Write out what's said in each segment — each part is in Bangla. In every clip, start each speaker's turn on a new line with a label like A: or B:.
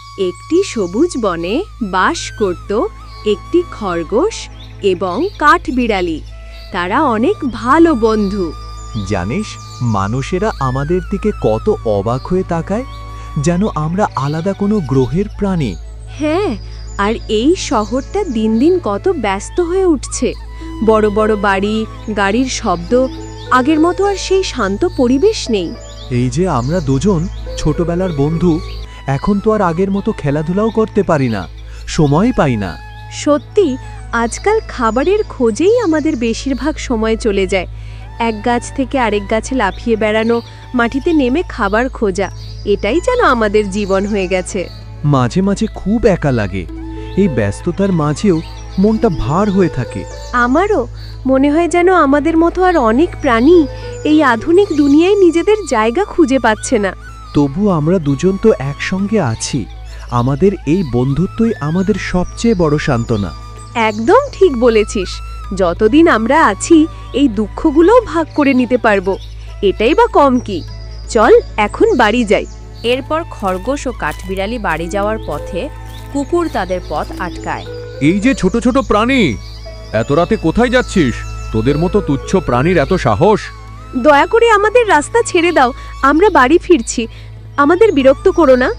A: একটি সবুজ বনে বাস করত একটি খরগোশ এবং কাঠবিড়ালি। তারা অনেক ভালো বন্ধু।
B: জানিস, মানুষেরা আমাদের দিকে কত অবাক হয়ে তাকায়, যেন আমরা আলাদা কোনো গ্রহের প্রাণী।
A: হ্যাঁ, আর এই শহরটা দিন দিন কত ব্যস্ত হয়ে উঠছে। বড় বড় বাড়ি, গাড়ির শব্দ, আগের মতো আর সেই শান্ত পরিবেশ নেই।
B: এই যে আমরা দুজন ছোটবেলার বন্ধু, এখন তো আর আগের মতো খেলাধুলাও করতে পারি না, সময় পাই না।
A: সত্যি, আজকাল খাবারের খোঁজেই আমাদের বেশিরভাগ সময় চলে যায়। এক গাছ থেকে আরেক গাছে লাফিয়ে বেড়ানো, মাটিতে নেমে খাবার খোঁজা, এটাই যেন আমাদের জীবন হয়ে গেছে।
B: মাঝে মাঝে খুব একা লাগে। এই ব্যস্ততার মাঝেও মনটা ভার হয়ে থাকে।
A: আমারও মনে হয় যেন আমাদের মতো আর অনেক প্রাণী এই আধুনিক দুনিয়ায় নিজেদের জায়গা খুঁজে পাচ্ছে না।
B: তবু আমরা দুজন তো একসঙ্গে আছি। আমাদের এই বন্ধুত্বই আমাদের সবচেয়ে বড় সান্ত্বনা।
A: একদম ঠিক বলেছিস। যতদিন আমরা আছি এই দুঃখগুলোও ভাগ করে নিতে পারবো, এটাই বা কম কি। চল এখন বাড়ি যাই। এরপর খরগোশ ও কাঠবিড়ালি বাড়ি যাওয়ার পথে কুকুর তাদের পথ আটকায়।
C: এই যে ছোট ছোট প্রাণী, এত রাতে কোথায় যাচ্ছিস? তোদের মতো তুচ্ছ প্রাণীর এত সাহস?
A: দয়া করে আমাদের রাস্তা ছেড়ে দাও, আমরা বাড়ি ফিরছি। আমাদের বিরক্ত করো না।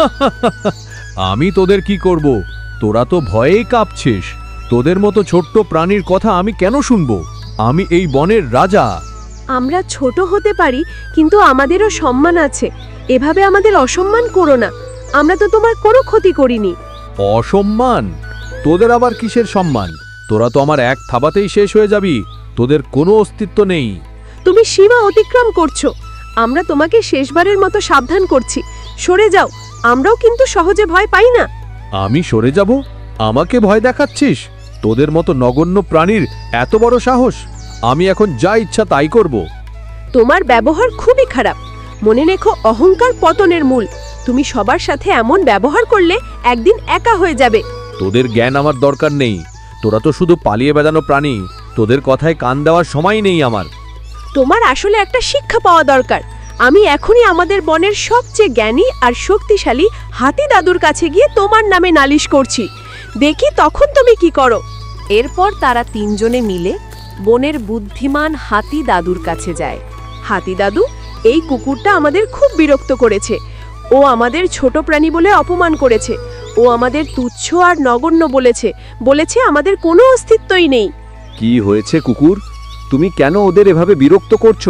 C: আমি তোদের কি করব? তোরা তো ভয়েই কাঁপছিস। তোদের মতো ছোট্ট প্রাণীর কথা আমি কেন শুনবো? আমি এই বনের রাজা।
A: আমরা ছোট হতে পারি, কিন্তু আমাদেরও সম্মান আছে। এভাবে আমাদের অসম্মান করো না। আমরা তো তোমার কোনো ক্ষতি করিনি।
C: অসম্মান? তোদের আবার কিসের সম্মান? তোরা তো আমার এক থাবাতেই শেষ হয়ে যাবি। তোদের কোনো অস্তিত্ব নেই।
A: তুমি সীমা অতিক্রম করছো। আমরা তোমাকে শেষবারের মতো সাবধান করছি, সরে যাও। আমরাও কিন্তু সহজে ভয় পাই না।
C: আমি সরে যাব? আমাকে ভয় দেখাচ্ছিস? তোদের মতো নগণ্য প্রাণীর এত বড় সাহস! আমি এখন যা ইচ্ছা তাই করব।
A: তোমার ব্যবহার খুবই খারাপ। মনে রেখো, অহংকার পতনের মূল। তুমি সবার সাথে এমন ব্যবহার করলে একদিন একা হয়ে যাবে।
C: তোদের জ্ঞান আমার দরকার নেই। তোরা তো শুধু পালিয়ে বেড়ানো প্রাণী। তোদের কথায় কান দেওয়ার সময় নেই আমার।
A: তোমার আসলে একটা শিক্ষা পাওয়া দরকার। আমি এখনই আমাদের বনের সবচেয়ে জ্ঞানী আর শক্তিশালী হাতি দাদুর কাছে গিয়ে তোমার নামে নালিশ করছি। দেখি তখন তুমি কি করো। এরপর তারা তিনজনে মিলে বনের বুদ্ধিমান হাতি দাদুর কাছে যায়। হাতি দাদু, এই কুকুরটা আমাদের খুব বিরক্ত করেছে। ও আমাদের ছোট প্রাণী বলে অপমান করেছে। ও আমাদের তুচ্ছ আর নগণ্য বলেছে আমাদের কোনো অস্তিত্বই নেই।
C: কি হয়েছে কুকুর? তুমি কেন ওদের এভাবে বিরক্ত করছো?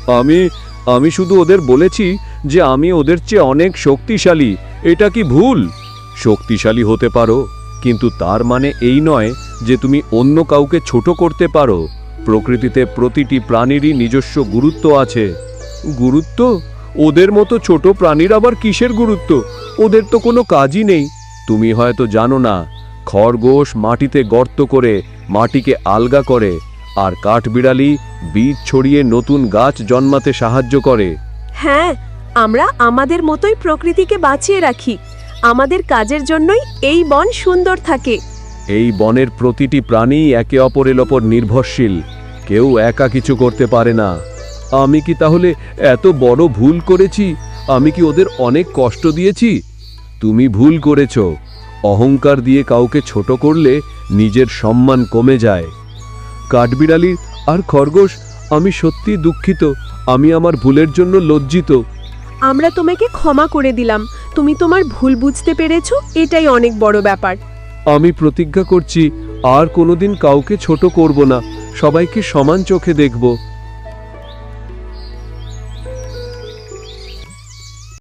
C: আমি শুধু ওদের বলেছি যে আমি ওদের চেয়ে অনেক শক্তিশালী। এটা কি ভুল? শক্তিশালী হতে পারো, কিন্তু তার মানে এই নয় যে তুমি অন্য কাউকে ছোট করতে পারো। প্রকৃতিতে প্রতিটি প্রাণীরই নিজস্ব গুরুত্ব আছে। গুরুত্ব? ওদের মতো ছোট প্রাণীর আবার কিসের গুরুত্ব? ওদের তো কোনো কাজই নেই। তুমি হয়তো জানো না, খরগোশ মাটিতে গর্ত করে মাটিকে আলগা করে, আর কাঠবিড়ালি বীজ ছড়িয়ে নতুন গাছ জন্মাতে সাহায্য করে।
A: হ্যাঁ, আমরা আমাদের মতোই প্রকৃতিকে বাঁচিয়ে রাখি। আমাদের কাজের জন্যই এই বন সুন্দর থাকে।
C: এই বনের প্রতিটি প্রাণী একে অপরের ওপর নির্ভরশীল। কেউ একা কিছু করতে পারে না। আমি কি তাহলে এত বড় ভুল করেছি? আমি কি ওদের অনেক কষ্ট দিয়েছি? তুমি ভুল করেছ। অহংকার দিয়ে কাউকে ছোট করলে নিজের সম্মান কমে যায়। কাঠবিড়ালি আর খরগোশ, আমি সত্যি দুঃখিত। আমি আমার ভুলের জন্য লজ্জিত।
A: আমরা তোমাকে ক্ষমা করে দিলাম। তুমি তোমার ভুল বুঝতে পেরেছো, এটাই অনেক বড় ব্যাপার।
C: আমি প্রতিজ্ঞা করছি আর কোনোদিন কাউকে ছোট করব না। সবাইকে সমান চোখে দেখব।